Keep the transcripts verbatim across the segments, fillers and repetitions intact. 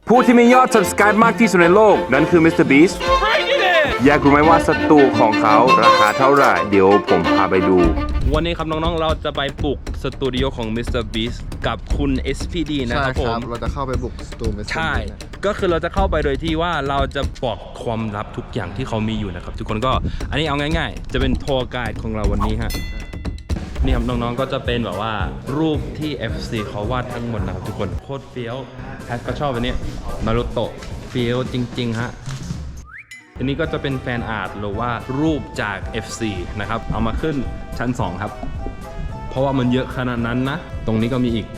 ผู้ที่มียอด subscribe มากที่สุดในโลกนั่นคือ มิสเตอร์ Beast อยากรู้ไหมว่าสตูของเขาราคาเท่าไหร่เดี๋ยวผมพาไปดูวันนี้ครับน้องๆเราจะไปบุกสตูดิโอของ มิสเตอร์ Beast กับคุณ เอส พี ดี นะครับผมเราจะเข้าไปบุกสตูมิสเตอร์ใช่ก็คือเราจะเข้าไปโดยที่ว่าเราจะบอกความลับทุกอย่างที่เขามีอยู่นะครับทุกคนก็อันนี้เอาง่ายๆจะเป็นทัวร์ไกด์ของเราวันนี้ฮะนี่ครับน้องๆก็จะเป็นแบบว่ารูปที่ เอฟ ซี เขาวาดทั้งหมดนะครับทุกคนโคตรเฟี้ยวแพทก็ชอบอันนี้นารูโตะเฟี้ยวจริงๆฮะอันนี้ก็จะเป็นแฟนอาร์ตหรือว่ารูปจาก เอฟ ซี นะครับเอามาขึ้นชั้นสองครับเพราะว่ามันเยอะขนาดนั้นนะตรงนี้ก็มีอีก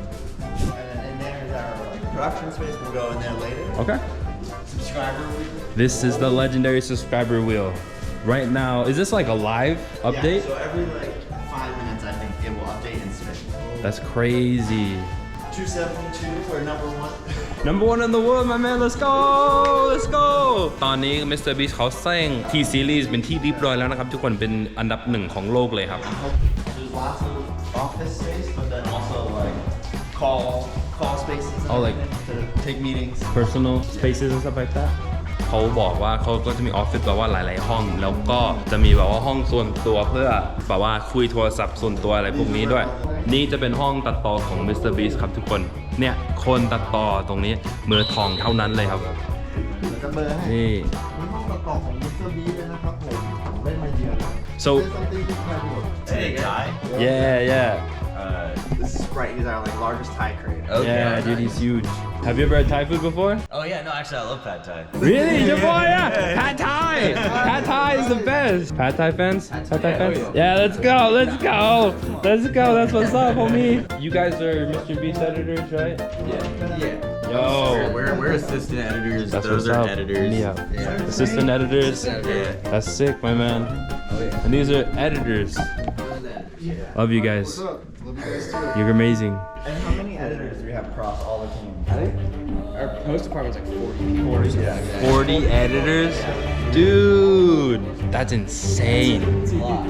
Production space will go in there later. Okay. Subscriber wheel. This is the legendary subscriber wheel. Right now, is this like a live update? Yeah, so every like five minutes, I think it will update and spin. That's crazy. two seventy-two for number one. Number one in the world, my man. Let's go. Let's go. ตอนนี้ มิสเตอร์ Beast เขาแซง T Series เป็นที่เรียบร้อยแล้วนะครับทุกคนเป็นอันดับหนึ่งของโลกเลยครับ There's lots of office space, but then also like call call spaces and Oh, like- everything to take meetings. personal spaces and stuff like that เขาบอกว่าเขาก็จะมีออฟฟิศแบบว่าหลายๆห้องแล้วก็จะมีแบบว่าห้องส่วนตัวเพื่อแบบว่าคุยโทรศัพท์ส่วนตัวอะไรพวกนี้ด้วยนี่จะเป็นห้องตัดต่อของ มิสเตอร์ Beast ครับทุกคนเนี่ยคนตัดต่อตรงนี้มือทองเท่านั้นเลยครับแล้วก็เบอร์ให้นี่มีห้องตัดต่อของมิสเตอร์บีเลยนะครับผมผมได้มาเยือนแล้ว so Hey guy. yeah yeah Uh, this is right. He's our like largest Thai crate. yeah dude he's huge have you ever had Thai food before Oh yeah, no, actually I love pad thai. really your boy yeah Pad Thai Pad Thai is the best Pad Thai fans Pad Thai fans yeah let's go let's go let's go that's what's up homie you guys are mister Beast editors right Yeah. Yeah. yo We're, we're assistant editors. that's Those what's are up editors. yeah Yeah. assistant editors Yeah. that's sick my man and these are editors love you guys you're amazing And how many editors do we have across all the teams? I think our post department's like forty. forty. Yeah. forty editors dude that's insane It's a lot.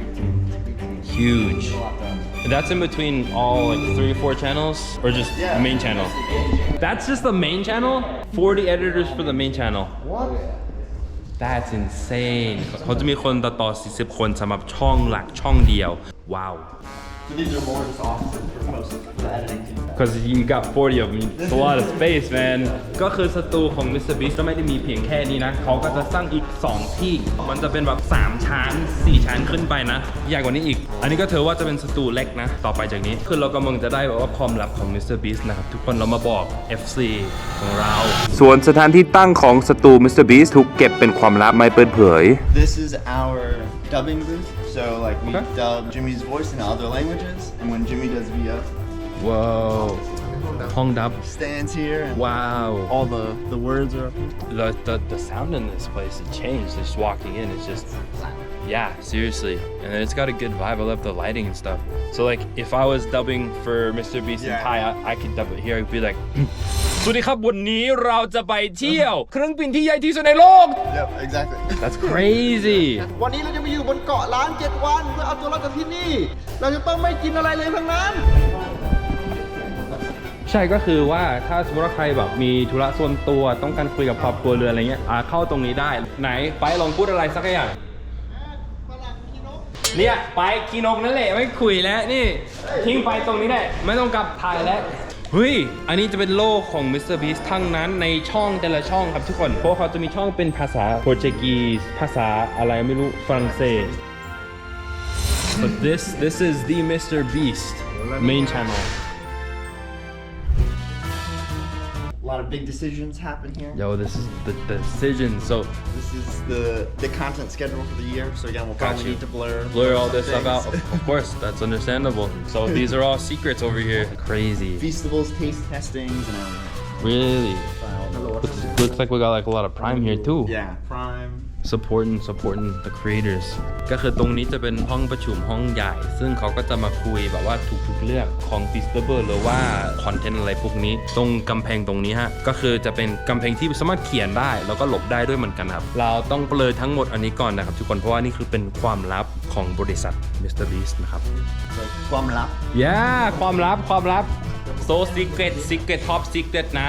huge that's in between all like three or four channels or just Yeah. the main channel that's just the main channel forty editors for the main channel What? that's insane เขาจะมีคนตัดต่อสี่สิบคนสำหรับช่องหลักช่องเดียวว้าว So these are more just offices for most of the editing team. because you got forty of them it's a lot of space man ก็คือสตูของ มิสเตอร์ Beast ก็ไม่ได้มีเพียงแค่นี้นะเขาก็จะสร้างอีกสองที่มันจะเป็นแบบสามชั้นสี่ชั้นขึ้นไปนะใหญ่กว่านี้อีกอันนี้ก็ถือว่าจะเป็นสตูเล็กนะต่อไปจากนี้คือเรากำลังจะได้แบบว่าความลับของ มิสเตอร์ Beast นะครับทุกคนเรามาบอก เอฟ ซี ของเราส่วนสถานที่ตั้งของสตู มิสเตอร์ Beast ถูกเก็บเป็นความลับไม่เปิดเผย This is our dubbing booth. So like we Okay. dub Jimmy's voice in other languages, and when Jimmy does V O, ว้าวห้องดับ stands here and ว้าว all the the words are up here. the, the the sound in this place it changed just walking in it's just yeah seriously and it's got a good vibe I love the lighting and stuff so like if I was dubbing for มิสเตอร์ Beast in Yeah. Thai I, I could dub it here I'd be like สวัสดีครับวันนี้เราจะไปเที่ยวเครื่องบินที่ใหญ่ที่สุดในโลก Yep, exactly. that's crazy วันนี้เราจะมาอยู่บนเกาะล้านเจ็ดวันเพื่อเอาตัวรอดจากที่นี่ เราจะต้องไม่กินอะไรเลยทั้งนั้นใช่ก็คือว่าถ้าสมมติว่าใครแบบมีธุระส่วนตัวต้องการคุยกับครอบครัวเรืออะไรเงี้ยอ่าเข้าตรงนี้ได้ไหนไปลองพูดอะไรสักอย่างเนี่ยไปกีนกนั่นแหละไม่คุยแล้วนี่ทิ้งไปตรงนี้ได้ไม่ต้องกลับถ่ายแล้วเฮ้ยอันนี้จะเป็นโลกของ มิสเตอร์ Beast ทั้งนั้นในช่องแต่ละช่องครับทุกคนเพราะเขาจะมีช่องเป็นภาษาโปรตุเกสภาษาอะไรไม่รู้ฝรั่งเศส but this this is the มิสเตอร์ Beast main channel A lot of big decisions happen here. yo this is the, the decision so This is the the content schedule for the year. So again, we'll Got probably you. need to blur blur all some this stuff out. things. Of, of course, that's understandable. So these are all secrets over here. Crazy. Festivals, taste testings, and everything. Really? Hello, what's Looks, up? looks like we got like a lot of Prime here too. Yeah, Prime. Supporting supporting the creators ก็คือตรงนี้จะเป็นห้องประชุมห้องใหญ่ ซึ่งเขาก็จะมาคุยแบบว่าทุกๆเรื่องของ Festival หรือว่าคอนเทนต์อะไรพวกนี้ตรงกำแพงตรงนี้ฮะก็คือจะเป็นกำแพงที่สามารถเขียนได้แล้วก็หลบได้ด้วยเหมือนกันครับเราต้องเปลยทั้งหมดอันนี้ก่อนนะครับทุกคนเพราะว่านี่คือเป็นความลับของบริษัท มิสเตอร์ Beast นะครับความลับ yeah ความลับความลับ so secret secret top secret นะ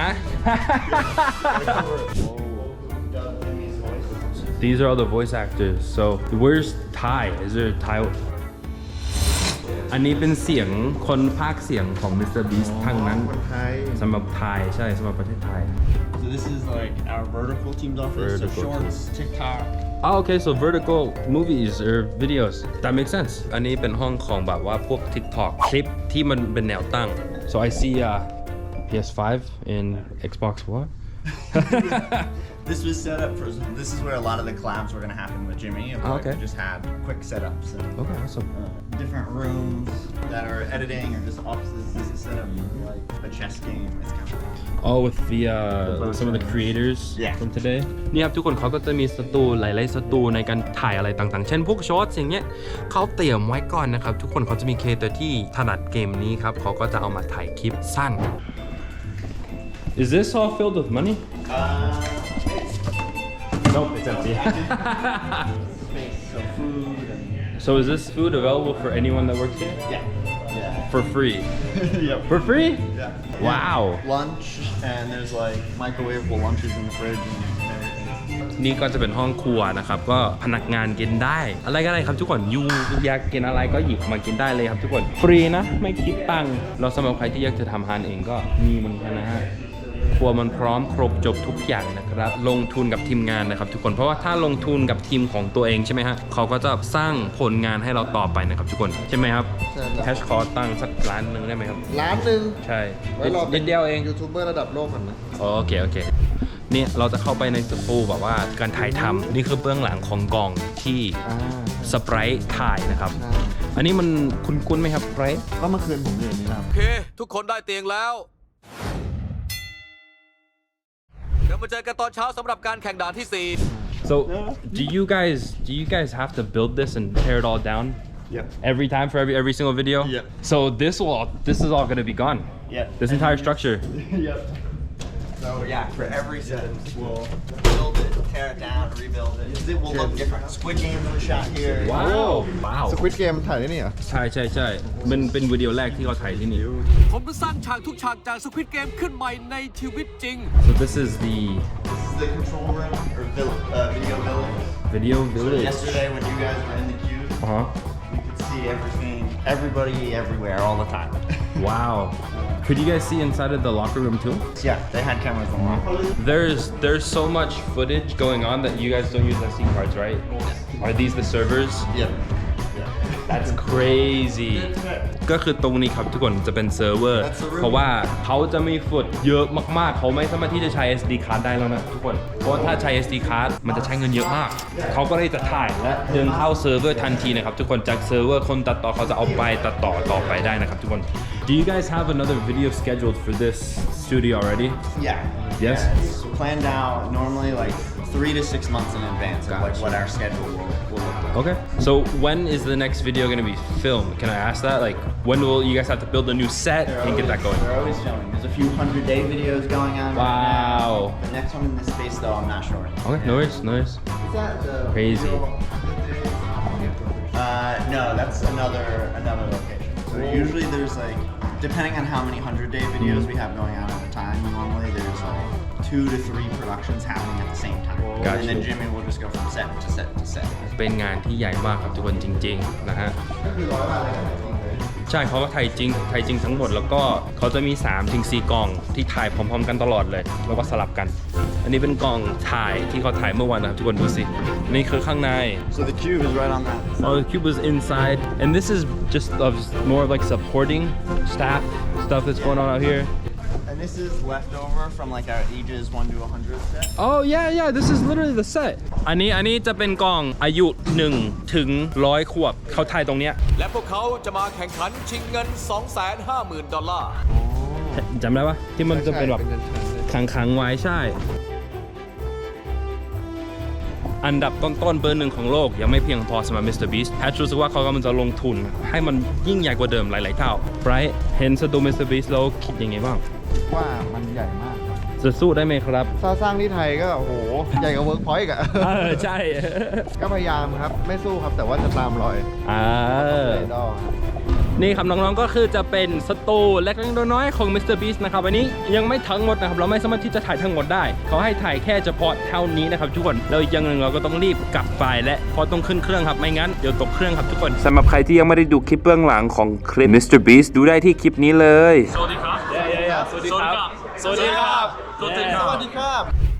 These are all the voice actors so where's Thai is there Thai อันนี้เป็นเสียงคนพากย์เสียงของ มิสเตอร์ Beast ทั้งนั้นคนไทยสำหรับไทยใช่สำหรับประเทศไทย So this is like our vertical team's office. Vertical so shorts, TikTok. Oh, okay, so vertical movies or videos. That makes sense. อันนี้เป็นห้องของแบบว่าพวก TikTok คลิปที่มันเป็นแนวตั้ง So I see uh, พี เอส five in Xbox One. This was set up for. This is where a lot of the collabs were gonna happen with Jimmy. And Oh, like, okay. We just had quick setups and Okay, awesome. uh, different rooms that are editing or just offices. This is set up for like a chess game. It's kind of. Oh, with the uh, some of the creators Yeah. from today. นี่ครับทุกคนเขาก็จะมีสตูหลายๆสตูในการถ่ายอะไรต่างๆ เช่นพวกช็อตอย่างเงี้ยเขาเตรียมไว้ก่อนนะครับ ทุกคนเขาจะมีเคเตอร์ที่ถนัดเกมนี้ครับเขาก็จะเอามาถ่ายคลิปสั้น Is this all filled with money? Uh, Nope, it's empty. space, so food and So is this food available for anyone that works here? yeah, yeah, For free? yep. For free? Yeah. Wow. Lunch and there's like microwavable lunches in the fridge and everything. นี่ก็จะเป็นห้องครัวนะครับ ก็พนักงานกินได้ อะไรก็ได้ครับทุกคนยูอยากกินอะไรก็หยิบมากินได้เลยครับทุกคน ฟรีนะ ไม่คิดตังค์เราสำหรับใครที่อยากจะทำอาหารเองก็มีเหมือนกันนะฮะ ครัวมันพร้อมครบจบทุกอย่างนะครับ ลงทุนกับทีมงานนะครับทุกคน เพราะว่าถ้าลงทุนกับทีมของตัวเองใช่ไหมฮะเขาก็จะสร้างผลงานให้เราต่อไปนะครับทุกคน ใช่ไหมครับใช่ครับแคชคอร์ตั้งสักล้านหนึ่งได้ไหมครับร้านหนึ่งใช่ไว้รอนิดเดียวเองยูทูบเบอร์ระดับโลกก่อนนะอ๋อโอเคโอเคเนี่ยเราจะเข้าไปในสตูแบบว่าการถ่ายทำนี่คือเบื้องหลังของกองที่อ่าสไปรท์ถ่ายนะครับใช่อันนี้มันคุ้นๆไหมครับสไปรท์ก็เมื่อคืนผมอยู่ในนี้นะครับโอเค ทุกคนได้เตียงแล้ว เดี๋ยวมาเจอกันตอนเช้าสำหรับการแข่งด่านที่ สี่ So do you guys do you guys have to build this and tear it all down Yep. every time for every every single video? Yep. So this will this is all going to be gone. Yep. This entire structure. Yep. So yeah, for every set, we'll build it, tear it down, rebuild it. It will look different. Squid Game was shot here. Wow. Wow. สควิดเกมถ่ายได้นี่เหรอใช่ใช่ใช่เป็นเป็นวิดีโอแรกที่เขาถ่ายที่นี่ผมจะสร้างฉากทุกฉากจากสควิดเกมขึ้นใหม่ในชีวิตจริง So this is the This is the control room or vill- uh, video village. video So village. yesterday when you guys were in the queue, Uh-huh. you could see everything, everybody, everywhere, all the time. Wow. Could you guys see inside of the locker room too? Yeah, they had cameras on lock. There's there's so much footage going on that you guys don't use S D cards, right? Are these the servers? Yep. That's crazy. ก็คือตรงนี้ครับทุกคนจะเป็นเซิร์ฟเวอร์ That's the room. เพราะว่าเขาจะมีฟุตเยอะมากๆ เขาไม่สามารถที่จะใช้ เอส ดี card ได้แล้วนะทุกคน เพราะว่าถ้าใช้ เอส ดี card มันจะใช้เงินเยอะมาก เขาก็เลยจะถ่ายและดึงเข้าเซิร์ฟเวอร์ทันทีนะครับทุกคนจากเซิร์ฟเวอร์คนตัดต่อเขาจะเอาไปตัดต่อต่อไปได้นะครับทุกคน Do you guys have another video scheduled for this studio already? Yeah. Yes? Yeah, it's planned out normally like three to six months in advance of like what our schedule will, will look like. Okay. So when is the next video going to be filmed? Can I ask that? Like, when will you guys have to build a new set They're and get that always- going? They're always filming. There's a few hundred day videos going on. Wow. Right now. The next one in this space though, I'm not sure. Okay, no worries, no worries. Crazy. Uh, no, that's another another location. So usually there's like, depending on how many hundred day videos we have going on at a time, normally there's like two to three productions happening at the same time. Gotcha. And then Jimmy will just go from set to set to set. เป็นงานที่ใหญ่มากครับทุกคนจริงๆนะฮะ ใช่เขาก็ถ่ายจริงถ่ายจริงทั้งหมดแล้วก็เขาจะมี สามถึงสี่ กล่องที่ถ่ายพร้อมๆกันตลอดเลย แล้วก็สลับกัน อันนี้เป็นกล่องถ่ายที่เขาถ่ายเมื่อวานนะครับทุกคนดูสิ นี่คือข้างใน So the cube is right on that. Oh, the cube was inside, and this is just of more of like supporting staff stuff that's going on out here. And this is leftover from like our ages one to one hundred set. Oh yeah, yeah, this is literally the set. อันนี้อันนี้จะเป็นกล่องอายุหนึ่งถึงร้อยขวบเขาถ่ายตรงเนี้ยและพวกเขาจะมาแข่งขันชิงเงิน สองแสนห้าหมื่น ดอลลาร์จำได้ปะที่มันจะเป็นแบบใช่เป็นเงินใช่ขังๆไว้ใช่ อันดับต้นๆเบอร์หนึ่งของโลกยังไม่เพียงพอสำหรับ มิสเตอร์ Beast แพทรู้สึกว่าเขากำลังจะลงทุนให้มันยิ่งใหญ่กว่าเดิมหลายๆเท่าไบรท์เห็นสตู มิสเตอร์ Beast แล้วคิดยังไงบ้างว่ามันใหญ่มากครับจะสู้ได้ไหมครับถ้าสร้างที่ไทยก็โอ้โห ใหญ่กว่าเวิร์กพอยต์อะเออใช่ก็พยายามครับ ไม่สู้ครับ แต่ว่าจะตามรอยอ่าไอดอลครับนี่ครับน้องๆก็คือจะเป็นสตูเล็กๆน้อยๆของ มิสเตอร์ Beast นะครับอันนี้ยังไม่ทั้งหมดนะครับเราไม่สามารถที่จะถ่ายทั้งหมดได้เขาให้ถ่ายแค่เฉพาะเท่านี้นะครับทุกคนแล้วอีกอย่างหนึ่งเราก็ต้องรีบกลับไปและพอต้องขึ้นเครื่องครับไม่งั้นเดี๋ยวตกเครื่องครับทุกคนสำหรับใครที่ยังไม่ได้ดูคลิปเบื้องหลังของคลิป มิสเตอร์ Beast ดูได้ที่คลิปนี้เลยสวัสดีครับสวัสดีครับสวัสดีครับสวัสดีครับสวัสดีครับ